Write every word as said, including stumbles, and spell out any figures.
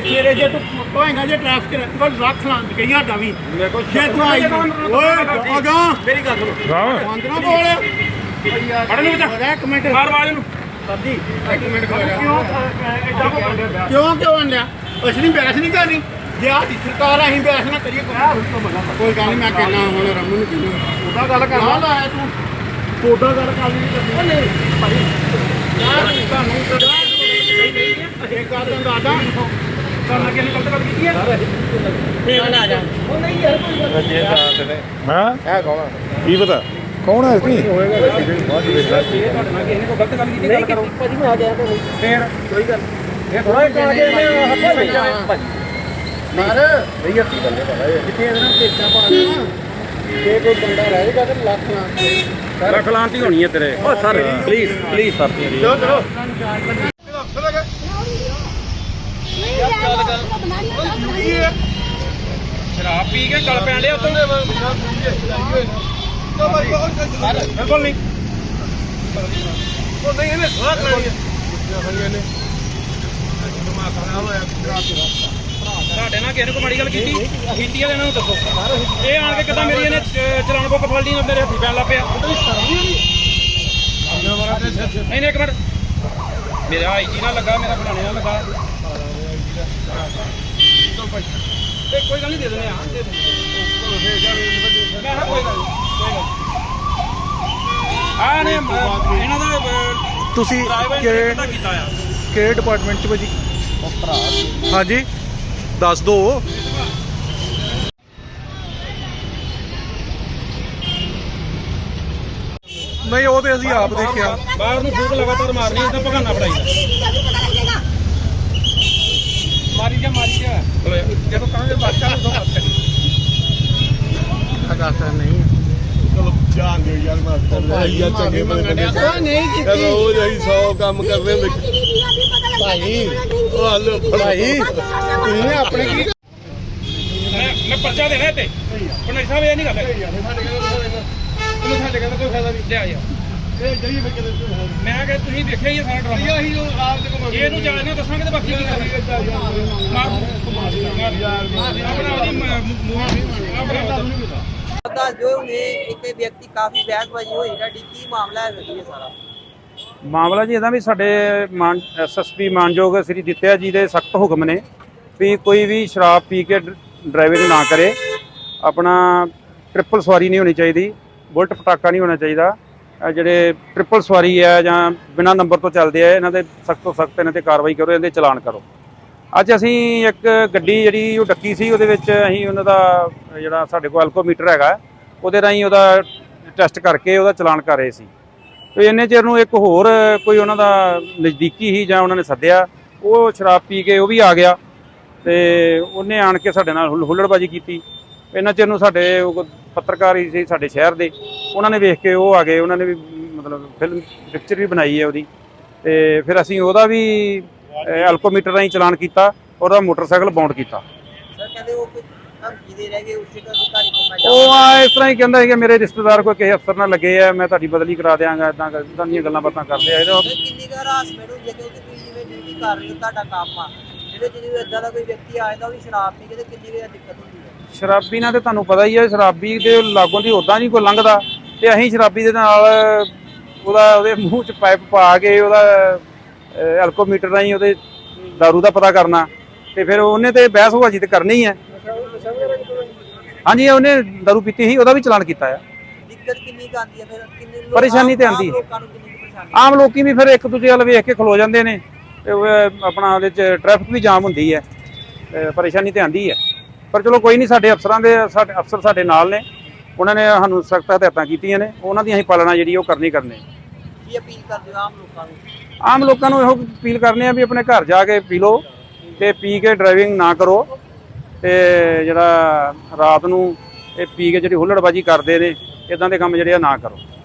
ਸਵੇਰੇ ਜੇ ਤੂੰ ਕਹੇਗਾ ਜੇ ਟ੍ਰੈਫਿਕ ਕੋਲ ਰੱਖ ਲਾਂ ਗਈ ਸਾਡਾ ਵੀ ਜੇ ਤੂੰ ਆਈ ਓਏ ਅਗਾ ਮੇਰੀ ਗੱਲ ਸੁਣੋ ਬੰਦ ਨਾ ਬੋਲ ਫੜ ਨੂੰ ਬੱਚਾ ਇੱਕ ਮਿੰਟ ਮਾਰ ਆਵਾਜ਼ ਨੂੰ ਸਾਡੀ ਇੱਕ ਮਿੰਟ ਕਿਉਂ ਕਿਉਂ ਕਿਉਂ ਆਂਡਿਆ ਅਸੀਂ ਨਹੀਂ ਬਹਿਸ ਨਹੀਂ ਕਰਨੀ ਜੇ ਆਹ ਦੀ ਸਰਕਾਰ ਅਸੀਂ ਬਹਿਸ ਨਾ ਕਰੀਏ ਕੋਈ ਗੱਲ ਨਹੀਂ ਮੈਂ ਕਹਿਣਾ ਹੁਣ ਰਮਨ ਨੂੰ ਕਿਉਂ ਉਹਦਾ ਗੱਲ ਕਰ ਨਾ ਲਾਇਆ ਤੂੰ ਕੋਡਾ ਗੱਲ ਕਰ ਨਹੀਂ ਕਰਨੀ ਨਹੀਂ ਭਾਈ ਯਾਰ ਤੁਹਾਨੂੰ ਇਹ ਗੱਲ ਦਾ ਦਾਦਾ ਕਰਨਾ ਕਿਹਨੇ ਗਲਤ ਗੱਲ ਕੀਤੀ ਹੈ ਫੇਰ ਆ ਜਾ ਉਹ ਨਹੀਂ ਯਾਰ ਕੋਈ ਗੱਲ ਨਹੀਂ ਹਾਂ ਹੈ ਕੌਣ ਕੀ ਪਤਾ ਕੌਣ ਹੈ ਇਸਨੀ ਹੋਏਗਾ ਤੁਹਾਡੇ ਨਾਲ ਕਿਸੇ ਨੇ ਕੋਈ ਗਲਤ ਗੱਲ ਕੀਤੀ ਨਹੀਂ ਕੀਤੀ ਭਾਜੀ ਮੈਂ ਆ ਗਿਆ ਤਾਂ ਫੇਰ ਕੋਈ ਗੱਲ ਇਹ ਥੋੜਾ ਇੱਕ ਆ ਗਿਆ ਮੈਂ ਹੱਥ ਸਹੀ ਜਾਵੇ ਭਾਜੀ ਮਾਰ ਨਹੀਂ ਅੱਤੀ ਗੱਲ ਹੈ ਭਾਈ ਜਿੱਥੇ ਇਹਦੇ ਨਾਲ ਪੇਚਾ ਪਾ ਦੇਣਾ ਜੇ ਕੋਈ ਬੰਦਾ ਰਹੇਗਾ ਤਾਂ ਲੱਖ ਲਾਂ ਲੱਖ ਲਾਂਤੀ ਹੋਣੀ ਹੈ ਤੇਰੇ ਓ ਸਰ ਪਲੀਜ਼ ਪਲੀਜ਼ ਸਰ ਚਲੋ ਚਲੋ ਸ਼ਰਾਬ ਪੀ ਕੇ ਗਲ ਪੈਣ ਡਿਆ ਉੱਤੋਂ ਬਿਲਕੁਲ ਨਹੀਂ ਉਹ ਨਹੀਂ ਇਹਨੇ ਸਵਾਦ ਲੈਣੀ ਹੈ ਤੁਹਾਡੇ ਨਾਲ ਕਿਸੇ ਨੇ ਕੋਈ ਮਾੜੀ ਗੱਲ ਕੀਤੀ ਕੀਤੀ ਆ ਇਹਨਾਂ ਨੂੰ ਦੱਸੋ ਇਹ ਆਣ ਕੇ ਕਿਦਾਂ ਮੇਰੀ ਇਹਨੇ ਚਲਾਨ ਬੁੱਕ ਫੜ ਲਈ ਮੇਰੇ ਹੱਥੀ ਪੈਣ ਲੱਗ ਪਿਆ ਨਹੀਂ ਨਹੀਂ ਇੱਕ ਮਿੰਟ ਮੇਰਾ ਆਈ ਜੀ ਨਾਲ ਲੱਗਾ ਮੇਰਾ ਫਲਾਣੇ ਨਾਲ ਲੱਗਾ ਤੇ ਕੋਈ ਗੱਲ ਨਹੀਂ ਦੇ ਦਿੰਦੇ ਆ ਦੇ ਦਿੰਦੇ ਮੈਂ ਹਾਂ ਕੋਈ ਗੱਲ ਨਹੀਂ ਆ ਨੇ ਇਹਨਾਂ ਦਾ ਤੁਸੀਂ ਕਿਹੜੇ ਕਿਹੜੇ ਡਿਪਾਰਟਮੈਂਟ ਚ ਭਾਜੀ ਹਾਂਜੀ ਦੱਸ ਦੋ ਨਹੀਂ ਉਹ ਤੇ ਅਸੀਂ ਆਪ ਦੇਖਿਆ ਬਾਹਰ ਨੂੰ ਫੂਕ ਲਗਾਤਾਰ ਮਾਰਨੀ ਤਾਂ ਭਗਾਨਾ ਪੜਾਈਦਾ ਮਾਰੀ ਜਾ ਮਾਰੀ ਜਾ ਜਦੋਂ ਕਹਾਂਗੇ ਬਾਦਸ਼ਾਹ ਨੂੰ ਬਾਤ ਕਰੀ ਅਗਾਸਾ ਨਹੀਂ ਚਲੋ ਜਾਣ ਦਿਓ ਯਾਰ ਮਾਸਟਰ ਭਾਈ ਯਾਰ ਚੰਗੇ ਬੰਦੇ ਨੇ ਕੋਈ ਨਹੀਂ ਕੀਤੀ ਉਹ ਅਸੀਂ ਸੌ ਕੰਮ ਕਰਦੇ ਹੁੰਦੇ ਭਾਈ ਉਹ ਹਲੋ ਭਾਈ ਤੁਸੀਂ ਆਪਣੇ ਕੀ ਮੈਂ ਮੈਂ ਪਰਚਾ ਦੇਣਾ ਤੇ ਪਰ ਸਾਹਿਬ ਇਹ ਨਹੀਂ ਗੱਲ ਹੈ ਤੁਹਾਨੂੰ ਸਾਡੇ ਕਹਿੰਦਾ ਕੋਈ ਫਾਇਦਾ ਨਹੀਂ ਲਿਆ ਯਾਰ ਇਹ ਜਈ ਮੈਂ ਕਿਤੇ ਮੈਂ ਕਿ ਤੁਸੀਂ ਦੇਖਿਆ ਹੀ ਸਾਰਾ ਡਰਾਮਾ ਅਸੀਂ ਉਹ ਆਪ ਦੇ ਕੋਲ ਇਹਨੂੰ ਜਾਣ ਨਾ ਦੱਸਾਂਗੇ ਤੇ ਬਾਕੀ ਕੀ ਕਰਾਂਗੇ ਆਪਣਾ ਉਹਦੀ ਆਪਣਾ ਦੱਸ ਦਿਓ ਨੇ ਇੱਕ ਵਿਅਕਤੀ ਕਾਫੀ ਬਹਿਸਬਾਜ਼ੀ ਹੋਈ ਸਾਡੀ ਕੀ ਮਾਮਲਾ ਹੈ ਜੀ ਸਾਰਾ ਮਾਮਲਾ ਜੀ ਇਹਦਾ ਵੀ ਸਾਡੇ ਮਾਨ ਐਸਐਸਪੀ ਮਾਨਯੋਗ ਸ੍ਰੀ ਦਿੱਤਿਆ ਜੀ ਦੇ ਸਖਤ ਹੁਕਮ ਨੇ ਵੀ ਕੋਈ ਵੀ ਸ਼ਰਾਬ ਪੀ ਕੇ ਡਰਾਈਵਿੰਗ ਨਾ ਕਰੇ ਆਪਣਾ ਟ੍ਰਿਪਲ ਸਵਾਰੀ ਨਹੀਂ ਹੋਣੀ ਚਾਹੀਦੀ ਬੁਲਟ ਪਟਾਕਾ ਨਹੀਂ ਹੋਣਾ ਚਾਹੀਦਾ ਜਿਹੜੇ ਟ੍ਰਿਪਲ ਸਵਾਰੀ ਹੈ ਜਾਂ ਬਿਨਾਂ ਨੰਬਰ ਤੋਂ ਚੱਲਦੇ ਆ ਇਹਨਾਂ ਦੇ ਸਖਤ ਤੋਂ ਸਖਤ ਇਹਨਾਂ 'ਤੇ ਕਾਰਵਾਈ ਕਰੋ ਇਹਦੇ ਚਲਾਨ ਕਰੋ ਅੱਜ ਅਸੀਂ ਇੱਕ ਗੱਡੀ ਜਿਹੜੀ ਉਹ ਡੱਕੀ ਸੀ ਉਹਦੇ ਵਿੱਚ ਅਸੀਂ ਉਹਨਾਂ ਦਾ ਜਿਹੜਾ ਸਾਡੇ ਕੋਲ ਐਲਕੋਮੀਟਰ ਹੈਗਾ ਉਹਦੇ ਰਾਹੀਂ ਉਹਦਾ ਟੈਸਟ ਕਰਕੇ ਉਹਦਾ ਚਲਾਨ ਕਰ ਰਹੇ ਸੀ ਤੇ ਇੰਨੇ ਚਿਰ ਨੂੰ ਇੱਕ ਹੋਰ ਕੋਈ ਉਹਨਾਂ ਦਾ ਨਜ਼ਦੀਕੀ ਹੀ ਜਾਂ ਉਹਨਾਂ ਨੇ ਸੱਦਿਆ ਉਹ ਸ਼ਰਾਬ ਪੀ ਕੇ ਉਹ ਵੀ ਆ ਗਿਆ ਤੇ ਉਹਨੇ ਆਣ ਕੇ ਸਾਡੇ ਨਾਲ ਹੁੱਲੜਬਾਜੀ ਕੀਤੀ ਇੰਨਾ ਚਿਰ ਨੂੰ ਸਾਡੇ ਪੱਤਰਕਾਰ ਹੀ ਸੀ ਸਾਡੇ ਸ਼ਹਿਰ ਦੇ ਉਹਨਾਂ ਨੇ ਵੇਖ ਕੇ ਉਹ ਆ ਗਏ ਉਹਨਾਂ ਨੇ ਵੀ ਮਤਲਬ ਫਿਲਮ ਪਿਕਚਰ ਵੀ ਬਣਾਈ ਹੈ ਉਹਦੀ ਤੇ ਫਿਰ ਅਸੀਂ ਉਹਦਾ ਵੀ ਐਲਕੋਮੀਟਰ ਰਾਹੀਂ ਚਲਾਨ ਕੀਤਾ ਉਹਦਾ ਮੋਟਰਸਾਈਕਲ ਬਾਉਂਡ ਕੀਤਾ ਸਰ ਕਹਿੰਦੇ ਉਹ ਕੋਈ ਧਮਕੀ ਦੇ ਰਹਿ ਗਏ ਉਸੇ ਦਾ ਅਧਿਕਾਰੀ ਕੋਲ ਮੈਂ ਉਹ ਆ ਇਸ ਤਰ੍ਹਾਂ ਹੀ ਕਹਿੰਦਾ ਸੀ ਕਿ ਮੇਰੇ ਰਿਸ਼ਤੇਦਾਰ ਕੋਈ ਕਿਸੇ ਅਫਸਰ ਨਾਲ ਲੱਗੇ ਆ ਮੈਂ ਤੁਹਾਡੀ ਬਦਲੀ ਕਰਾ ਦਿਆਂਗਾ ਇਦਾਂ ਇਦਾਂ ਦੀਆਂ ਗੱਲਾਂ ਬਾਤਾਂ ਕਰਦੇ ਆ ਇਹਦਾ ਕਿੰਨੀ ਕੁ ਹਰਾਸਮੈਂਟ ਹੁੰਦੀ ਹੈ ਕਿਉਂਕਿ ਤੁਸੀਂ ਜਿਵੇਂ ਡਿਊਟੀ ਕਰ ਰਹੇ ਹੋ ਤੁਹਾਡਾ ਕੰਮ ਆ ਜਿਹੜੇ ਜਿਹੜੇ ਇਦਾਂ ਦਾ ਕੋਈ ਵਿਅਕਤੀ ਆਇਆ ਉਹ ਵੀ ਸ਼ਰਾਬ ਪੀ ਕੇ ਤੇ ਕਿੰਨੀ ਕੁ ਦਿੱਕਤ ਹੁੰਦੀ ਹੈ ਸ਼ਰਾਬੀ ਨਾਲ ਤੇ ਤੁਹਾਨੂੰ ਪਤਾ ਹੀ ਹੈ ਸ਼ਰਾਬੀ ਦੇ ਲਾਗੋਂ ਦੀ ਉੱਦਾਂ ਨਹੀਂ ਕੋਈ ਲੰਘਦਾ ਤੇ ਅਸੀਂ ਸ਼ਰਾਬੀ ਦੇ ਨਾਲ ਉਹਦਾ ਉਹਦੇ ਮੂੰਹ 'ਚ ਪਾਈਪ ਪਾ ਕੇ ਉਹਦਾ ਐਲਕੋਮੀਟਰ ਰਾਹੀਂ ਉਹਦੇ ਦਾਰੂ ਦਾ ਪਤਾ ਕਰਨਾ ਤੇ ਫਿਰ ਉਹਨੇ ਤੇ ਬਹਿਸਬਾਜ਼ੀ ਤੇ ਕਰਨੀ ਹੈ ਹਾਂਜੀ ਉਹਨੇ ਦਾਰੂ ਪੀਤੀ ਸੀ ਉਹਦਾ ਵੀ ਚਲਾਨ ਕੀਤਾ ਆ ਦਿੱਕਤ ਕਿੰਨੀ ਕੁ ਆਉਂਦੀ ਹੈ ਫਿਰ ਕਿੰਨੇ ਲੋਕ ਪਰੇਸ਼ਾਨੀ ਤੇ ਆਉਂਦੀ ਹੈ ਲੋਕਾਂ ਨੂੰ ਕਿੰਨੀ ਕੁ ਪਰੇਸ਼ਾਨੀ ਆਮ ਲੋਕੀ ਵੀ ਫਿਰ ਇੱਕ ਦੂਜੇ ਵੱਲ ਵੇਖ ਕੇ ਖਲੋ ਜਾਂਦੇ ਨੇ ਤੇ ਆਪਣਾ ਉਹਦੇ 'ਚ ਟ੍ਰੈਫਿਕ ਵੀ ਜਾਮ ਹੁੰਦੀ ਹੈ ਪਰੇਸ਼ਾਨੀ ਤੇ ਆਉਂਦੀ ਹੈ ਪਰ ਚਲੋ ਕੋਈ ਨਹੀਂ ਸਾਡੇ ਅਫਸਰਾਂ ਦੇ ਸਾਡੇ ਅਫਸਰ ਸਾਡੇ ਨਾਲ ਨੇ ਉਹਨਾਂ ਨੇ ਸਾਨੂੰ ਸਖਤ ਹਦਾਇਤਾਂ ਕੀਤੀਆਂ ਨੇ ਉਹਨਾਂ ਦੀ ਅਸੀਂ ਪਾਲਣਾ ਜਿਹੜੀ ਉਹ ਕਰਨੀ ਕਰਨੀ ਕੀ ਅਪੀਲ ਕਰਦੇ ਹੋ ਆਮ ਲੋਕਾਂ ਨੂੰ ਆਮ ਲੋਕਾਂ ਨੂੰ ਇਹੋ ਅਪੀਲ ਕਰਨੇ ਆ ਵੀ ਆਪਣੇ ਘਰ ਜਾ ਕੇ ਪੀ ਲਓ ਤੇ ਪੀ ਕੇ ਡਰਾਈਵਿੰਗ ਨਾ ਕਰੋ ਤੇ ਜਿਹੜਾ ਰਾਤ ਨੂੰ ਇਹ ਪੀ ਕੇ ਜਿਹੜੀ ਹੁੱਲੜਬਾਜੀ ਕਰਦੇ ਨੇ ਇਦਾਂ ਦੇ ਕੰਮ ਜਿਹੜੇ ਆ ਨਾ ਕਰੋ।